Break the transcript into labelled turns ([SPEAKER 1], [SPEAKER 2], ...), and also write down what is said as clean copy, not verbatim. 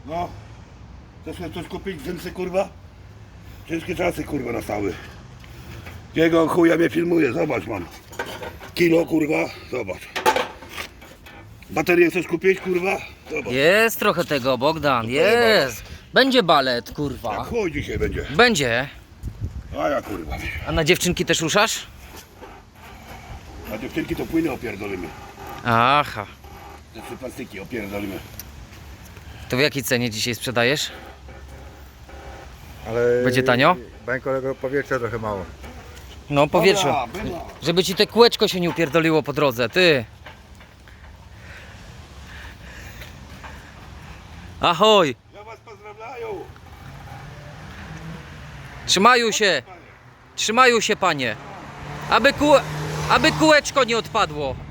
[SPEAKER 1] No. Chcesz sobie coś kupić? Dżinsy, kurwa? Ciężkie czasy, kurwa, nastały. Jego chuja mnie filmuje, zobacz, mam. Kilo, kurwa, zobacz. Baterię chcesz kupić, kurwa? Zobacz.
[SPEAKER 2] Jest trochę tego, Bogdan, jest. Będzie balet, kurwa.
[SPEAKER 1] Jak chuj dzisiaj będzie.
[SPEAKER 2] Będzie.
[SPEAKER 1] A ja, kurwa.
[SPEAKER 2] A na dziewczynki też ruszasz?
[SPEAKER 1] A dziewczynki to płyny opierdolimy.
[SPEAKER 2] Aha.
[SPEAKER 1] Te 3 plastiki opierdolimy.
[SPEAKER 2] To w jakiej cenie dzisiaj sprzedajesz?
[SPEAKER 3] Ale
[SPEAKER 2] Będzie tanio?
[SPEAKER 3] Bańkowego powietrza trochę mało.
[SPEAKER 2] No powietrze.
[SPEAKER 1] Dobra, bywa.
[SPEAKER 2] Żeby ci te kółeczko się nie upierdoliło po drodze, ty. Ahoj.
[SPEAKER 1] Ja was pozdrawiam.
[SPEAKER 2] Trzymają się, panie. Aby kółeczko nie odpadło.